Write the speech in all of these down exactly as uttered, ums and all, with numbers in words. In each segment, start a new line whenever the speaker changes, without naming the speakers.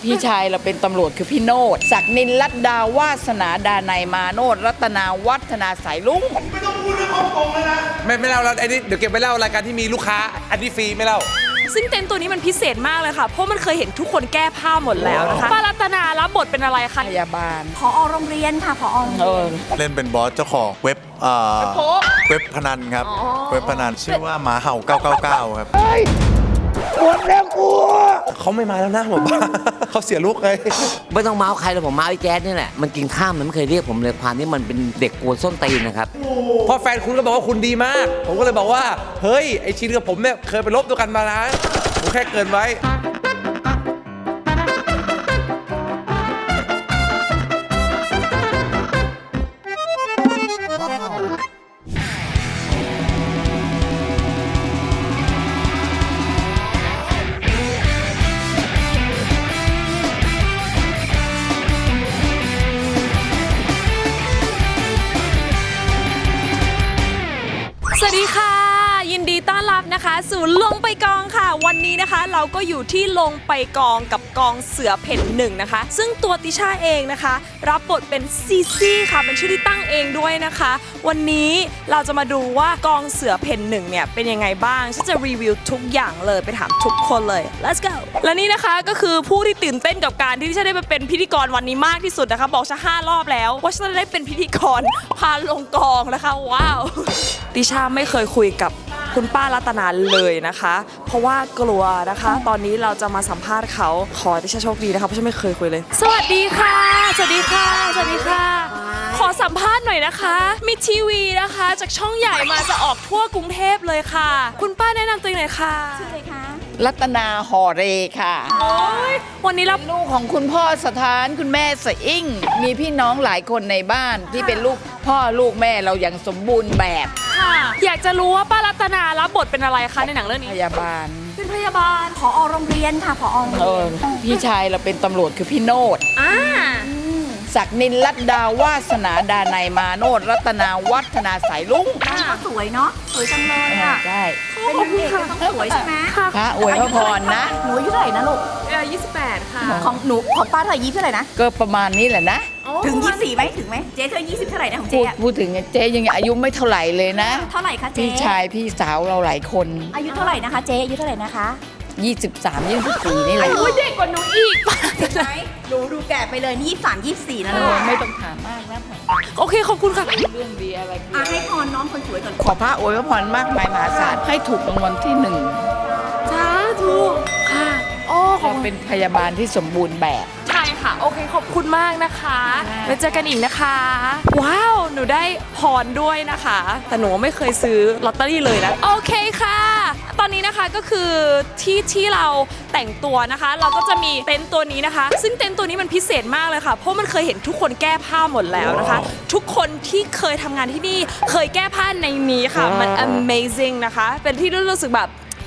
พี่ชายเราเป็นตำรวจคือพี่โนดศักดินลัดดาวาสนาดานัยมาโนดรัตนาวัฒนาสายลุง
ไม่ต้องพูดเรื่องฮ่องกงเลยนะไม่ไม่เล่าแล้วไอ้นี่เดี๋ยวเก็บไปเล่ารายการที่มีลูกค้าอันนี้ฟรีไม่เล่า
ซึ่งเต็นท์ตัวนี้มันพิเศษมากเลยค่ะเพราะมันเคยเห็นทุกคนแก้ผ้าหมดแล้วนะคะป้ารัตนารับบทเป็นอะไรคะ
พยาบาล
ผอโรงเรียนค่ะผอโรงเรียน
เล่นเป็นบอสเจ้าของเว็บอ่าเว็บพนันครับเว็บพนันชื่อว่าหมาเห่าเก้าเก้าเก้าครับ
หมดแล้วกู
เขาไม่มาแล้วนะหมอป้าเขาเสียลูกเลย
ไม่ต้องเมาส์ใครเลยผมเมาส์ไอ้แจ๊ดนี่แหละมันกินข้ามมันไม่เคยเรียกผมเลยความที่มันเป็นเด็กกวนส้นตีนนะครับ
พอแฟนคุณก็บอกว่าคุณดีมากผมก็เลยบอกว่าเฮ้ยไอชินกับผมเนี่ยเคยไปลบด้วยกันมานะผมแค่เกินไว้
สวัสดีค่ะยินดีต้อนรับนะคะสู่ลงไปกองค่ะวันนี้นะคะเราก็อยู่ที่ลงไปกองกับกองเสือเพ่นหนึ่งนะคะซึ่งตัวติช่าเองนะคะรับบทเป็นซีซี่ค่ะเป็นชื่อที่ตั้งเองด้วยนะคะวันนี้เราจะมาดูว่ากองเสือเพ่นหนึ่งเนี่ยเป็นยังไงบ้างฉันจะรีวิวทุกอย่างเลยไปถามทุกคนเลย let's go และนี่นะคะก็คือผู้ที่ตื่นเต้นกับการที่ฉันได้มาเป็นพิธีกรวันนี้มากที่สุดนะคะบอกฉันห้ารอบแล้วว่าฉันจะได้เป็นพิธีกรพาลงกองนะคะว้าวติช่าไม่เคยคุยกับคุณป้ารัตนาเลยนะคะเพราะว่ากลัวนะคะตอนนี้เราจะมาสัมภาษณ์เขาขอติช่าโชคดีนะคะเพราะฉันไม่เคยคุยเลยสวัสดีค่ะสวัสดีค่ะสวัสดีค่ะขอสัมภาษณ์หน่อยนะคะมีทีวีนะคะจากช่องใหญ่มาจะออกทั่วกรุงเทพเลยค่ะคุณป้าแนะนำตัวเองหน่อยค่ะ
ชื่ออะไรคะ
รัตนาหอเรค่ะ
โอ้ยวันนี้เรา
ลูกของคุณพ่อสถานคุณแม่สะอิ่งมีพี่น้องหลายคนในบ้านที่เป็นลูกพ่อลูกแม่เราอย่างสมบูรณ์แบบ
ค่ะอยากจะรู้ว่าป้ารัตนารับบทเป็นอะไรคะในหนังเรื่องนี้
พยาบาล
เป็นพยาบาล
ผอโรงเรียนค่ะผอโรงเรียน
พี่ชายเราเป็นตำรวจคือพี่โนด
อ่า
ศักดินลัดดาวาสนาดานัยมาโนดรัตนาวัฒนาสายลุง
ค่ะสวยเนาะสวยจังเลยอ่ะ
ใช่
เป็นนางเอกก็ต้องสวยใช่ไหม
พระอวยพระพรนะ
หนูอายุเท่าไหร่นะลูก
อายุยี่สิบแปดค่ะ
ของหนูของป้าเท่าไหร่ยี่สิบเท่าไหร่นะ
ก็ประมาณนี้แหละนะ
ถึงยี่สิบสี่ไหมถึงไหมเจ๊เธอยี่สิบเท่าไหร่นะของเจ๊
พูดถึงเจ๊ยังอายุไม่เท่าไหร่เลยนะ
เท่าไหร่คะเจ๊
พี่ชายพี่สาวเราหลายคน
อายุเท่าไหร่นะคะเจ๊อายุเท่าไหร่นะคะ
ยี่สิบสาม ยี่สิบสี่นี่แหละ
โอ้ยเด็กกว่าหนูอีก
เห็นไหมหนูดูแก่ไปเลยนี่ยี่สิบสาม ยี่สิบสี่นะลูก
ไม่ต้องถามมากนะ
โอเคขอบคุณค่ะ
เรื่องดีอะไร
อ่ะให้พรน้องคนสวยก่อน
ขอพระอวยพรมากมายมหาศาลให้ถูกรางวัลที่หนึ่ง
สาธุค่ะโอ้
ขอเป็นพยาบาลที่สมบูรณ์แบบ
ใช่ค่ะโอเคขอบคุณมากนะคะไว้เจอกันอีกนะคะว้าวหนูได้พรด้วยนะคะแต่หนูไม่เคยซื้อลอตเตอรี่เลยนะโอเคค่ะตอนนี้นะคะก็คือที่ที่เราแต่งตัวนะคะเราก็จะมีเต็นท์ตัวนี้นะคะซึ่งเต็นท์ตัวนี้มันพิเศษมากเลยค่ะเพราะมันเคยเห็นทุกคนแก้ผ้าหมดแล้วนะคะทุกคนที่เคยทำงานที่นี่เคยแก้ผ้าในนี้ค่ะมัน amazing นะคะเป็นที่รู้สึกแบบ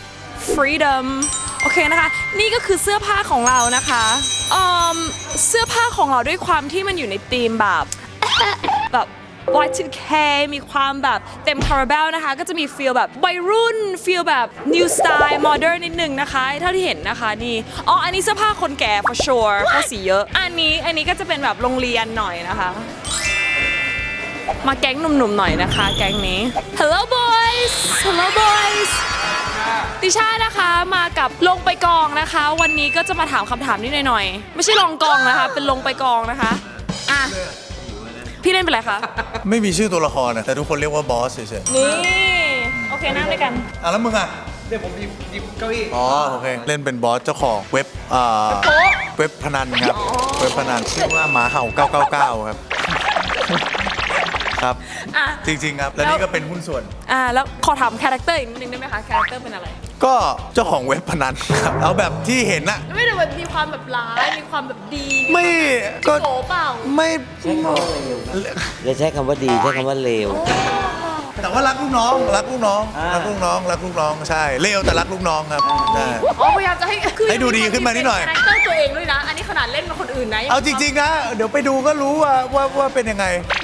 freedomโอเคนะคะนี่ก็คือเสื้อผ้าของเรานะคะเอ่อเสื้อผ้าของเราด้วยความที่มันอยู่ในธีมแบบแบบ วาย ทู เค มีความแบบเต็มคาราเบลนะคะก็จะมีฟีลแบบวัยรุ่นฟีลแบบ new style modern นิดนึงนะคะเท่าที่เห็นนะคะนี่อ๋ออันนี้เสื้อผ้าคนแก่ for sure เพราะสีเยอะอันนี้อันนี้ก็จะเป็นแบบโรงเรียนหน่อยนะคะมาแก๊งหนุ่มๆหน่อยนะคะแก๊งนี้ hello boys hello boysติช่านะคะมากับลงไปกองนะคะวันนี้ก็จะมาถามคำถามนิดหน่อยๆไม่ใช่ลงกองนะคะเป็นลงไปกองนะคะอ่ะพี่เล่นเป็นอะไรคะ
ไม่มีชื่อตัวละครนะแต่ทุกคนเรียกว่าบอสเฉย
ๆนี่โอเคนั่งด้วยกัน
อ่ะแล้วมึงอ่ะ
เดี๋ยวผมหยิบหยิบเก้าอี้
อ๋อโอเคเล่นเป็นบอสเจ้าของเว็บอ่าเว็บพนันครับเว็บพนันชื่อว่าหมาเห่าเก้าเก้าเก้าครับครับจริงๆครับและนี่ก็เป็นหุ้นส่วน
อ่าแล้วขอถามคาแรคเตอร์อีกนิดนึงได้ไหมคะคาแรคเตอร์เป็นอะไร
ก็เจ้าของเว็บพนันครับเอาแบบที่เห็นนะ
ไม่ได้แบบมีความแบบร้ายมีความแบบดี
ไม่ก็
โผเปล่า
ไม่
อย่าใช้คำว่าดีใช้คำว่าเลว
แต่ว่ารักลูกน้องรักลูกน้องรักลูกน้องรักลูกน้องใช่เลวแต่รักลูกน้องครับใช่
อ๋อพยายามจะให้
ให้ดูดีขึ้นมานิดหน่อย
คาแรคเตอร์ตัวเองด้วยนะอันนี้ขนาดเล่นกับคนอื่นนะ
เอาจริงๆนะเดี๋ยวไปดูก็รู้ว่าว่าว่าเป็นยังไงดู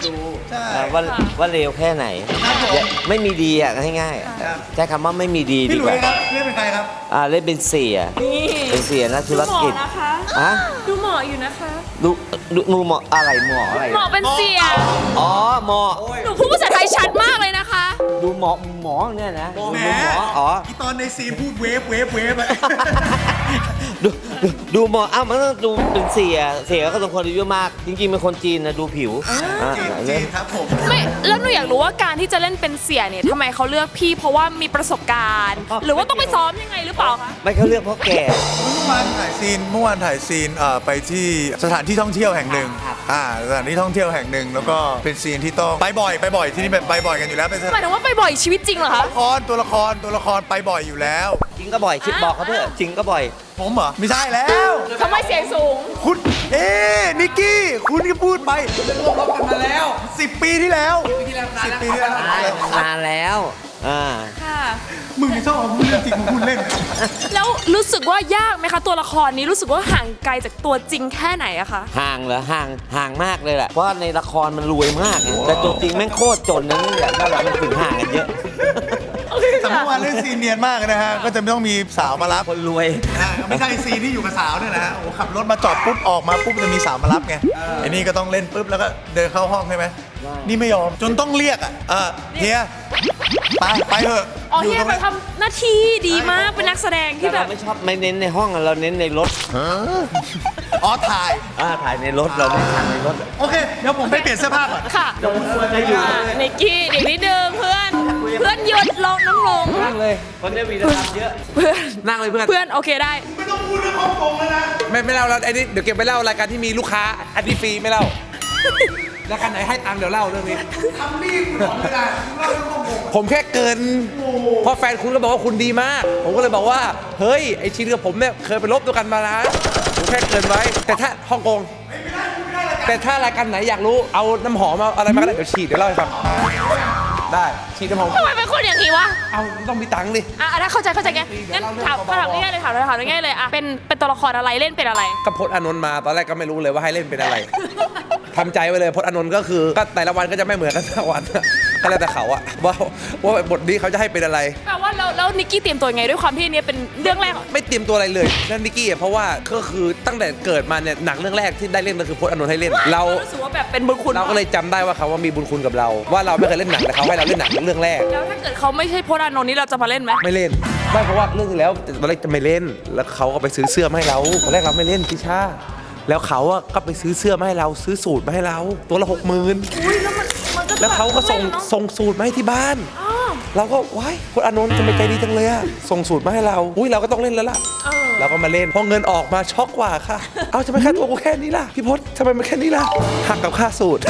ใช่
อ่าว่าว่าเลวแค่ไหนอย่าไม่มีดีอ่ะง่ายๆใช้คำว่าไม่มีดี
พี่
ดี
หลุ
ก
ย
ว่า
ส์ครับเล่นเป็นใครครับ
อ่าเล่นเป็นเสีย
นี่
เป็นเสียนักธุร
หมอ
กิจ
นะคะ
อะ
ดูหมออยู่นะคะ
ดูดูดูหมออะไรหมออะไร
หมอเป็นเสีย
อ๋อหมอ
หนูพูดภาษาไทยชัดมากเลยนะคะ
ดูหมอหมอเนี่ยนะ
แหม
ดูหมออ๋อ
อีตอนในซีนพูดเวฟเวฟเวฟอะ
ดูดูดูหมออ้าวมันต้องดูเป็นเสียเสียก็ต้องคนอายุมาก จริงๆเป็นคนจีนนะดูผิวอ่า
จีนจีนครับผม
ไม่แล้วหนูอยากรู้ว่าการที่จะเล่นเป็นเสียเนี่ยทำไมเขาเลือกพี่เพราะว่ามีประสบการณ์ หรือว่าต้องไปซ้อมยังไงหรือเปล่าคะ
ไม่เขาเลือกเพราะแก่
เมื่อวานถ่ายซีนเมื่อวานถ่ายซีนเอ่อไปที่สถานที่ท่องเที่ยวแห่งหนึ่ง
ครับ
อ่าสถานที่ท่องเที่ยวแห่งหนึ่งแล้วก็เป็นซีนที่ต้องไปบ่อยไปบ่อยที่นี่แบบไปบ่อยกันอยู่แล้วเป็นส
หมายถึงว่าไปบ่อยชีวิตจริงเหรอคะ
ละครตัวละครตัวละครไปบ่อยอยู่แล้ว
จริงก็บ่อยคิดบอกเขาเถอะจริงก็บ่อย
ผมเหรอไม่ใช่แล้ว
ทำไมเสียงสูง
คุณเอ๊ะนิกกี้คุณก็พูดไป
ร่วมรบกันมาแล้ว
สิบปีที่แล้ว
ที่แล้ว
สิบปีที่แล้ว
นานแล้วอ่า
ค่ะ
มึงไม่ชอบเอาพูดเรื่องจริงมาพูดเล่น
แล้วรู้สึกว่ายากไหมคะตัวละครนี้รู้สึกว่าห่างไกลจากตัวจริงแค่ไหนอะคะ
ห่างเหรอห่างห่างมากเลยแหละเพราะว่าในละครมันรวยมากไงแต่ตัวจริงแม่งโคตรจนนะนี่แหละนั่นแหละมันถึงห่างกันเยอะ
แต่เมื่อวานเล่นซีนเนียนมากเลยนะฮะ ก็จะไม่ต้องมีสาวมารับ
คนรวย
อ่าไม่ใช่ซีนที่อยู่กับสาวเนี่ยนะฮะโอ้ขับรถมาจอดปุ๊บออกมาปุ๊บจะมีสาวมารับไงไอ้นี่ก็ต้องเล่นปุ๊บแล้วก็เดินเข้าห้องใช่ไหมนี่ไม่ยอมจนต้องเรียกอ่ะเออเฮียไปไปเถอะ
อ๋อ
อยู่
เฮี
ต
ย
รง
ไป
นี้
ทำหน้าที่ดีมากเป็นนักแสดงที่แบ
เรา
บ
ไม่ชอบไม่เน้นในห้องอะเราเน้นในรถ
อ๋อถ่าย
อ่าถ่ายในรถเราไม่ถ่ายในรถ
โอเค เดี๋ยวผมไปเปลี่ยนเสื้อผ้าก่อน
ค่ะนิกกี้เด็กนิดนึงเพื่อน เพื่อนหยุดลงน้องลง
นั่งเลยคนได้วีรกรรมเยอะ
เพื่อน
นั่งเลยเพื่อน
เพื่อนโอเคได้
ไม่ต้องพูดเรื่องฮ่องกงแล้วนะ
ไม่ไม่เล่าแล้วไอ้นี่เดี๋ยวเก็บไปเล่ารายการที่มีลูกค้าอันนี้ฟรีไม่เล่ารายการไหนให้ตังค์เดี๋ยวเล่าเรื่องนี้
ทำนี่คุณบอกไม่ได้คุณเล่าเรื่องฮ่องกง
ผมแค่เกินเพราะแฟนคุณก็บอกว่าคุณดีมาก ผมก็เลยบอกว่า เฮ้ย ไอชินกับผมเนี่ยเคยไปลบด้วยกันมานะผมแค่เกินไว้ แต่ถ้าฮ่องกง แต่ถ้ารายการไหนอยากรู้ เอาน้ำหอมเอาอะไรมาก็ได้เดี๋ยวฉีดเดี๋ยวเล่าให้ฟัง ได้ ฉีดน้ำหอม
ทำไมเป็นคนอย่างนี้วะ
เอาต้องมีตังค์ดิ
อ่ะถ้าเข้าใจเข้าใจไงงั้นถามถามง่ายๆเลยถามถามง่ายๆเลยอ่ะเป็นเป็นตัวละครอะไรเล่นเป็นอะไร
ก็พจน์อานนท์มาตอนแรกก็ไม่รู้เลยว่าให้เล่นเป็นอะไร ทำใจไว้เลยพจน์อานนท์ก็คือก็แต่ละวันก็จะไม่เหมือนกันแต่ละวัน ก็แล้วแต่เขาอะว่าว่าบทนี้เขาจะให้เป็นอะไร
แปลว่าแล้วแล้วนิกกี้เตรียมตัวยังไงด้วยความที่อันนี้เป็นเรื่องแรก
ไม่เตรียมตัวอะไรเลยนั่นนิกกี้อะเพราะว่าก็คือตั้งแต่เกิดมาเนี่ยหนังเรื่องแรกที่ได้เล่นก็คือพจน์อานนท์ให้เล่น เรา
รู้สึกว่าแบบเป็นบุญคุณ
เราก็เลยจำได้ว่าเขาว่ามีบุญคุณกับเรา ว่าเราไม่เคยเล่นหนังแต่เขาให้เราเล่นหนังเรื่องแรก
แล้วถ้าเกิดเขาไม่ใช่พจน์อานนท์นี่เราจะมาเล่นไหม
ไม่เล่นไม่เพราะว่าเรื่องที่แล้วตอนแรกจะไม่เล่น แล้วเขาก็ไปซื้อเสื้อมาให้เราตอนแรกเราไม่เล่นพิชาแล้วเขาอะก็ไปซื้อเสื้อมาให้เราซื้อสูตรมาให้เรา ตัวละหกหมื่น
อุ้ยแล้วมันมันก็
แล้วเขาก็ส่ง
แบบ
ส่งสูตรมาให้ที่บ้าน
อ้าว
เราก็ว้ายพจน์อานนท์ทำไมใจดีจังเลยอะส่งสูตรมาให้เรา อุ้ยเราก็ต้องเล่นแล้วล่ะ
เออ
เราก็มาเล่นพอเงินออกมาช็อกกว่าค่ะ เอาทำไมค่าตัวกูแค่นี้ล่ะพี่พจน์ทำไมมันแค่นี้ล่ะหักกับค่าสูตร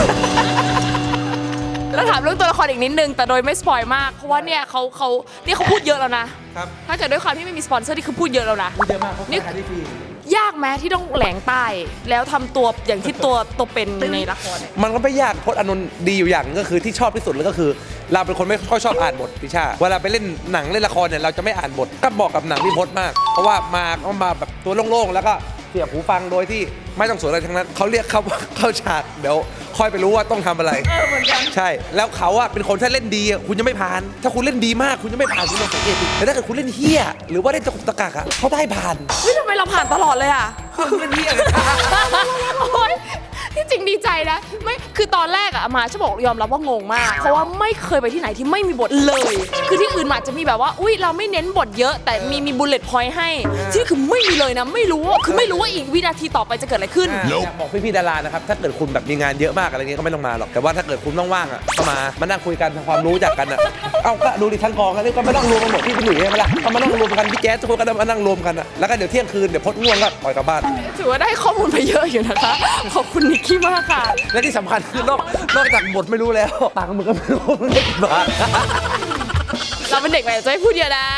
แล้วถามเรื่องตัวละครอีกนิดนึงแต่โดยไม่สปอยมากเพราะว่าเนี่ยเขาเขานี่เขาพูดเยอะแล้วนะ
ครับ
ถ้าเกิดด้วยความที่ไม่มีสปอนเซอร์นี่คือพูดเยอะแล้วนะ
เยอะมากเพราะ
นี่
ขายได้ฟรี
ยากไหมที่ต้องแหลงใต้ แล้วทำตัวอย่างที่ตัวตัวเป็นในละครเนี่ย
มันก็ไม่ยากพจน์อานนท์ดีอยู่อย่างหนึ่งก็คือที่ชอบที่สุดเลยก็คือ เราเป็นคนไม่ค่อยชอบอ่านบทพิชาเวลาไปเล่นหนังเล่นละครเนี่ยเราจะไม่อ่านบทก็บอกกับหนังพี่พจน์มาก เพราะว่ามาก็มาแบบตัวโล่งๆแล้วก็เสียบหูฟังโดยที่ไม่ต้องสนอะไรทั้งนั้นเขาเรียกเขาว่าเข้าฉากเดี๋ยวค่อยไปรู้ว่าต้องทำอะไร
เออเหมือนกัน
ใช่ แล้วเขาอะเป็นคนถ้าเล่นดีอะคุณจะไม่ผ่าน ถ้าคุณเล่นดีมากคุณจะไม่ผ่านคุณลองสังเกตดิแต่ถ้าเกิดคุณเล่นเฮี้ยหรือว่าเล่นตะกุกตะกักอะเขาได้ผ่าน
เฮ้ยทำไมเราผ่านตลอดเลยอ่ะ
คุณเล่นเฮี้ยเลย
โอ๊ยที่จริงดีใจนะไม่คือตอนแรกอะอามาจะบอกยอมรับว่างงมาก เพราะว่าไม่เคยไปที่ไหนที่ไม่มีบทเลย คือที่อื่นอาจจะมีแบบว่าอุ้ยเราไม่เน้นบทเยอะ แต่มีมีบุลเลตพอยต์ให้ที่นี่คือไม่มีเลยนะ ไม่รู้ว่าคือไม่รู้ว่าอีกวินาทีต่อไปจะเกิดอะไรขึ้น
อยากบอกพี่ๆดารานะครับ ถ้าเกิดคุณแบบมีงานเยอะมากอะไรเงี้ยก็ไม่ต้องมาหรอก แต่ว่าถ้าเกิดคุณว่างๆอ่ะก็มา มานั่งคุยกันทำความรู้จักกันอ่ะ เอ้าก็ดูดิทั้งกองกันนี่ก็มานั่งรวมกันหมดพี่พี่หลุยใช่ไหมล่ะก็มานั่งรวมกันพี่แจ๊สทุกคนก็มานั่งรวมกันอ่ะ แล้วก็เดี๋ยวเที่ยงคืนเดี๋ยวพดง่วงก็ปล่อยกลับบ้าน
ถือว่าได้ข้อมูลไปเยอะอยู่นะคะ ขอบคุณนิกกี้มากค่ะ
และที่สำคัญคือนอกนอกจากบทไม่รู้แล้วตังค์มึงก็ไม่รู้มึงได้กี่บาท
เราเป็นเด็กใหม่จะไม่พูดเยอะนะ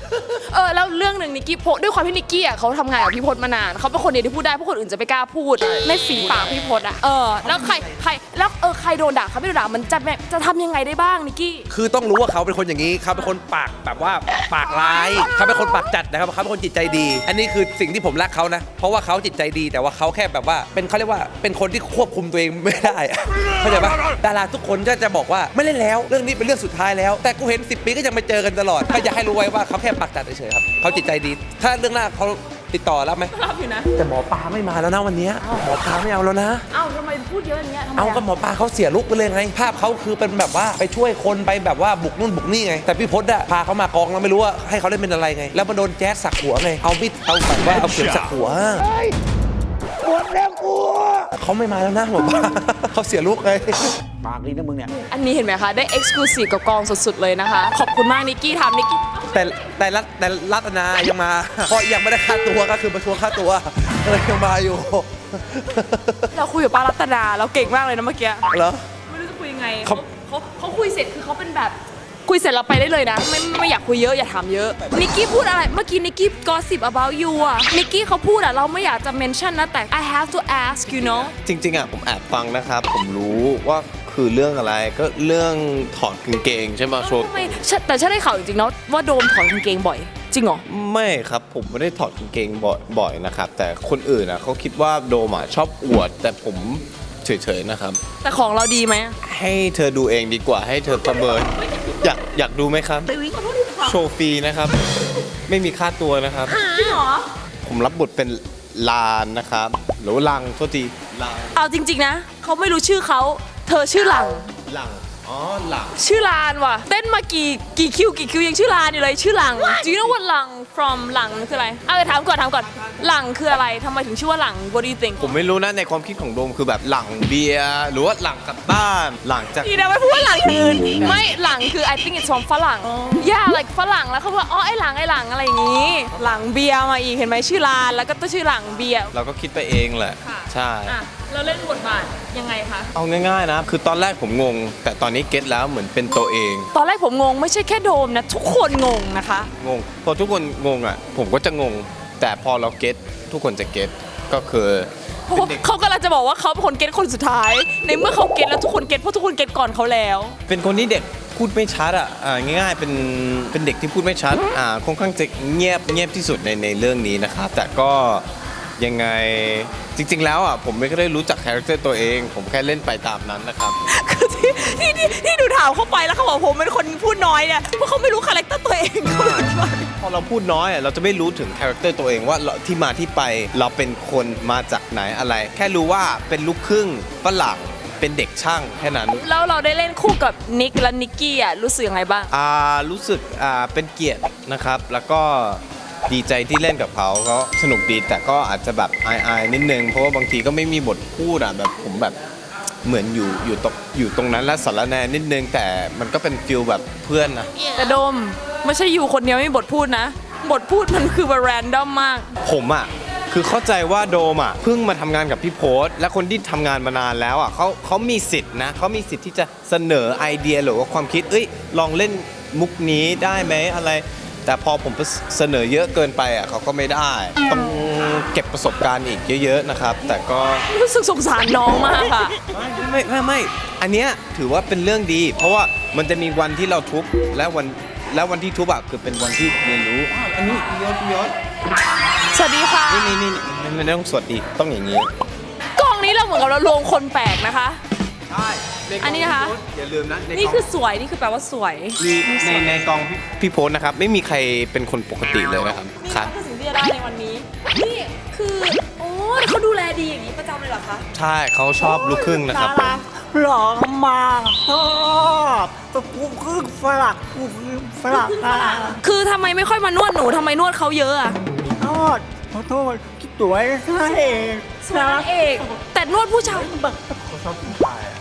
เออแล้วเรื่องหนึ่งนิกกี้โพสด้วยความที่นิกกี้อ่ะเขาทำงานกับพี่พจน์มานานเขาเป็นคนเดียวที่พูดได้เพราะคนอื่นจะไม่กล้าพูดในฝีปากพี่พจน์อ่ะเออแล้วใครใครแล้วเออใครโดนด่าเขาไม่โดนด่ามันจะแบบจะทำยังไงได้บ้างนิกกี้
คือต้องรู้ว่าเขาเป็นคนอย่างนี้เขาเป็นคนปากแบบว่าปากร้ายเขาเป็นคนปากจัดนะครับเขาเป็นคนจิตใจดี อันนี้คือสิ่งที่ผมรักเขานะเพราะว่าเขาจิตใจดีแต่ว่าเขาแค่แบบว่าเป็นเขาเรียกว่าเป็นคนที่ควบคุมตัวเองไม่ได้เข้าใจปะดาราทุกคนก็จะบอกว่าไม่เล่นแล้วเรื่องนี้เป็นเรื่องสุดท้ายแล้วแต่กูเห็นสิบปีก็ยังมาเจอกันตลอดก็อยากให้รู้ไว้ว่าเขาแค่ปากจัดเฉยๆครับเขาจิตใจดีถ้าเรื่องหน้าเขาติดต่อรับไหม
รับอยู่นะ
แต่หมอปลาไม่มาแล้วนะวันนี้หมอปลาไม่เอาแล้วนะ
เอ้าทำไมพูดเยอะอย่างเงี้ยทำไม
เอาก็หมอปลาเขาเสียลุกไปเลยไงภาพเขาคือเป็นแบบว่าไปช่วยคนไปแบบว่าบุกนู่นบุกนี่ไงแต่พี่พจน์อะพาเขามากองแล้วไม่รู้ว่าให้เขาเล่นเป็นอะไรไงแล้วมันโดนแจ๊สสักหัวไงเอามิดเอาแบบว่าเอาเข็มสักหัวปวดแล้วกูเขาไม่มาแล้วนะหมอปลาเขาเสียลุกไงปากดีนะมึงเนี่ย
อันนี้เห็นไหมคะได้เอ็กซ์คลูซีฟกับกองสุดๆเลยนะคะขอบคุณมากนิกกี้ทำนิกกี้
แต่แต่รัตแต่รัตนายังมาเพราะยังไม่ได้ค่าตัวก็คือมาทวงค่าตัวเลยยังมาอยู่
เราคุยกับป้ารัตนาเราเก่งมากเลยนะเมื่อกี้
เหรอ
ไม่รู้จะคุยยังไง
เขา
เขาเขาคุยเสร็จคือเขาเป็นแบบคุยเสร็จเราไปได้เลยนะไม่ไม่อยากคุยเยอะอย่าถามเยอะนิกกี้พูดอะไรเมื่อกี้นิกกี้ gossip about you อะนิกกี้เขาพูดอะเราไม่อยากจะ mention นะแต่ I have to ask you know
จริงๆอ่ะผมแอบฟังนะครับ ผมรู้ว่าคือเรื่องอะไรก็เรื่องถอดกางเกงใช่ไหมโชว์
ทำไมฉันแต่ฉันได้ข่าวจริงๆนะว่าโดมถอดกางเกงบ่อยจริงเหรอ
ไม่ครับผมไม่ได้ถอดกางเกงบ่อยบ่อยนะครับ แต่คนอื่นอ่ะเขาคิดว่าโดมอ่ะชอบอวด แต่ผมเฉยๆนะครับ
แต่ของเราดีไหม
ให้เธอดูเองดีกว่าให้เธอประเมินอยากอยากดูไหมครับ โชว์ฟรีนะครับ ไม่มีค่าตัวนะครับ
จริงเหรอ
ผมรับบทเป็นลานนะครับหรือว่าลังโทษทีลัง
เอาจริงๆนะเขาไม่รู้ชื่อเขาเธอชื่อหลัง
ลังอ๋อหลัง
ชื่อลานว่ะเต้นมากี่กี่คิวกี่คิวยังชื่อลานอยู่เลยชื่อหลัง Do you know what หลัง from หลังคืออะไรเอาถามก่อนถามก่อนหลังคืออะไรทำไมถึงชื่อว่าหลัง What do you think
ผมไม่รู้นะในความคิดของโดมคือแบบหลังเบียร์หรือว่าหลังกลับบ้านหลังจาก
ดีนะไม่พูดว่าหลังอื่นไม่หลังคือ I think it's from ฝรั่งย่า like ฝรั่งแล้วเขาบอกอ๋อไอหลังไอหลังอะไรอย่างนี้ หลังเบียร์มาอีกเห็นไหมชื่อลานแล้วก็ต้องชื่อหลังเบียร์
เราก็คิดไปเองแหละ
ค่ะ
ใช่
อ่ะเราเล่นบทบาทยังไงคะ
เอาง่ายๆนะ คือตอนแรกผมงง แต่ตอนนี้เก็ตแล้วเหมือนเป็นตัวเอง
ตอนแรกผมงงไม่ใช่แค่โดมนะทุกคนงงนะคะ
งง พอทุกคนงงอ่ะ ผมก็จะงง แต่พอเราเก็ตทุกคนจะเก็ตก็คือเป็นเด็ก
เขากำลังจะบอกว่าเขาเป็นคนเก็ตคนสุดท้าย ในเมื่อเขาเก็ตแล้วทุกคนเก็ตเพราะทุกคนเก็ตก่อนเขาแล้ว
เป็นคนที่เด็กพูดไม่ชัดอ่ะอ่าง่ายๆเป็นเป็นเด็กที่พูดไม่ชัดอ่าค่อนข้างจะเงียบเงียบที่สุดในในเรื่องนี้นะครับแต่ก็ยังไงจริง ๆ แล้วอ่ะผมไม่ได้รู้จักคาแรคเตอร์ตัวเอง ผมแค่เล่นไปตามนั้นนะครับ
คือที่ที่ที่ที่ดูถามเข้าไปแล้วเขาบอกผมเป็นคนพูดน้อยเนี่ยเพราะเขาไม่รู้คาแรคเตอร์ตัวเองเขาเลยคิดว่า
พอเราพูดน้อยอ่ะเราจะไม่รู้ถึงคาแรคเตอร์ตัวเองว่าเราที่มาที่ไปเราเป็นคนมาจากไหนอะไร แค่รู้ว่าเป็นลูกครึ่งฝรั่งเป็นเด็กช่างแค่นั้น
แล้วเราได้เล่นคู่กับนิกและนิกกี้อ่ะรู้สึกยังไงบ้าง
อ่ารู้สึกอ่าเป็นเกียรตินะครับ แล้วก็ดีใจที่เล่นกับเขาเขาสนุกดีแต่ก็อาจจะแบบอายๆนิดนึงเพราะว่าบางทีก็ไม่มีบทพูดอ่ะแบบผมแบบเหมือนอยู่อยู่ตรงอยู่ตรงนั้นและสารแนนิดนึงแต่มันก็เป็นฟิลแบบเพื่อนนะ
แต่โดมไม่ใช่อยู่คนเดียวไม่มีบทพูดนะ บทพูดมันคือแบบแรนดอมมาก
ผมอ่ะคือเข้าใจว่าโดมอ่ะเพิ่งมาทำงานกับพี่โพสและคนที่ทำงานมานานแล้วอ่ะเขาเขามีสิทธิ์นะเขามีสิทธิ์ที่จะเสนอไอเดียหรือว่าความคิดเอ้ยลองเล่นมุกนี้ได้ไหมอะไร แต่พอผมเสนอเยอะเกินไปอ่ะเขาก็ไม่ได้ต้องเก็บประสบการณ์อีกเยอะๆนะครับ แต่ก็
รู้สึกสงสารน้องมากอะ
ไม่ไม่ไม่อันเนี้ยถือว่าเป็นเรื่องดี เพราะว่ามันจะมีวันที่เราทุบและวันและวันที่ทุบอ่ะคือเป็นวันที่เรียนรู้อ้าวอันนี้พี่ยศพี่ยศ
สวัสดีค่ะ
นี่นี่นี่ไม่ไม่ต้องสวัสดีต้องอย่างนี้
กองนี้เราเหมือนกับเรารวมคนแปลกนะคะ
ใช่ในกง
อันนี้นะคะ
พี่โพสอย่าลืมนะใ
นี่
กง
คือสวยนี่คือแปลว่าสวย
มีในในกองพี่พี่โพสนะครับ ไม่มีใครเป็นคนปกติเลยนะครับ
นี่
ครับ
คือสิ่งที่จะได้ในวันนี้ นี่คือโอ้เขาดูแลดีอย่างนี้ประจำเลยเหรอคะ
ใช่เขาชอบลูกครึ่งนะครับผม
หล่อมากชอบกูคือฝรั่งกูคือฝรั่งอ่ะ
คือทำไมไม่ค่อยมานวดหนูทำไมนวดเขาเยอะอะ
โทษขอโทษคิดสวยใช่เอง
สวยนางเอกแต่นวดผู้ชาย
เขาชอบผู้ชายอ่ะ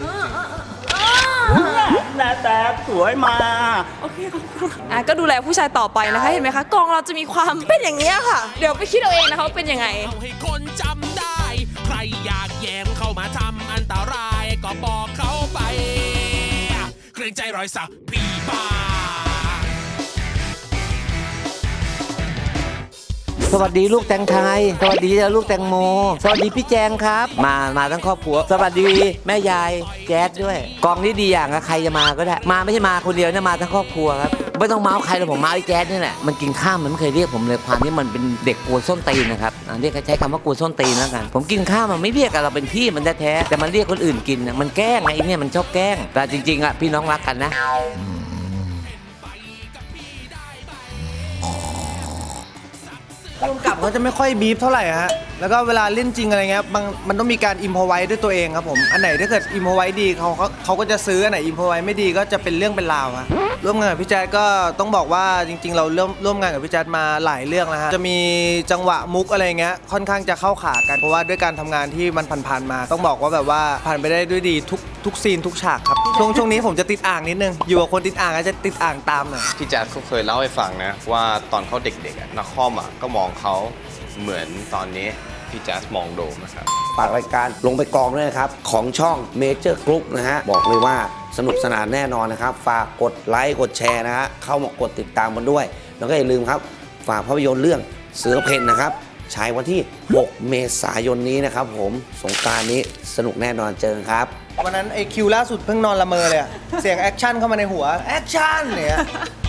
หน้าตาสวยมา
โอเคขอบคุณค่ะอ่ะก็ดูแลผู้ชายต่อไปนะคะ เห็นไหมคะกองเราจะมีความเป็นอย่างนี้ยค่ะ เดี๋ยวไปคิดเอาเองนะคะว่าเป็นยังไง
เอาให้คนจำได้ ใครอยากแยมเข้ามาทำอันตรายก็บอกเขาไป เกรงใจรอยสักปีบา
สวัสดีลูกแตงไทยสวัสดีลูกแตงโมสวัสดีพี่แจงครับ มามาทั้งครอบครัวสวัสดีแม่ยายแจ๊ดด้วยกองนี้ดีอย่างอะใครจะมาก็ได้มาไม่ใช่มาคนเดียวนะมาทั้งครอบครัวครับไม่ต้องเมาส์ใครเลยผมเมาส์ไอ้แจ๊ดนี่แหละมันกินข้าวมันไม่เคยเรียกผมเลยความที่มันเป็นเด็กกลัวส้นตีนนะครับอ่ะเรียกใช้คำว่ากลัวส้นตีนแล้วกันผมกินข้าวมันไม่เรียกกันเราเป็นพี่มันแท้ๆแต่มันเรียกคนอื่นกินนะมันแกล้งไอ้เนี่ยมันชอบแกล้งแต่จริงๆอะพี่น้องรักกันนะ
ร่วมกับเขาจะไม่ค่อยบีฟเท่าไหร่ฮะ แล้วก็เวลาเล่นจริงอะไรเงี้ยบางมันต้องมีการอิมพอไว้ด้วยตัวเองครับผม อันไหนถ้าเกิดอิมพอไว้ดีเขาเขาเขาก็จะซื้อ อันไหนอิมพอไว้ไม่ดีก็จะเป็นเรื่องเป็นราวฮะร่วมงานกับพี่แจ๊ดก็ต้องบอกว่าจริงๆ เราเริ่มร่วมงานกับพี่แจ๊ดมาหลายเรื่องแล้วฮะ จะมีจังหวะมุกอะไรเงี้ยค่อนข้างจะเข้าขากัน เพราะว่าด้วยการทำงานที่มันผ่านๆมา ต้องบอกว่าแบบว่าผ่านไปได้ด้วยดีทุกทุกซีนทุกฉากครับ ช่วงช่วงนี้ผมจะติดอ่างนิดนึง อยู่กับคนติดอ่างก็จะติดอ่างตามหน่อย
พี่แจ๊ดเขาเคยเล่าให้ฟังนะว่าตอนเขาเด็กๆอะนักคอมอ่ะก็มองเขาเหมือนตอนนี้พี่แจ๊ดมองโดมนะครับ
ฝากรายการลงไปกองด้วยนะครับ ของช่อง Major Group นะฮะ บอกเลยว่าสนุกสนานแน่นอนนะครับ ฝากกดไลค์กดแชร์นะฮะ เข้ามากดติดตามกันด้วย แล้วก็อย่าลืมครับ ฝากภาพยนตร์เรื่องเสือเพ่นนะครับฉายวันที่ หก เมษายนนี้นะครับผมสงกรานต์นี้สนุกแน่นอนเจอกันครับ
วันนั้นไอคิวล่าสุดเพิ่งนอนละเมอเลยอะเสียงแอคชั่นเข้ามาในหัว แอคชั่นเนี่ย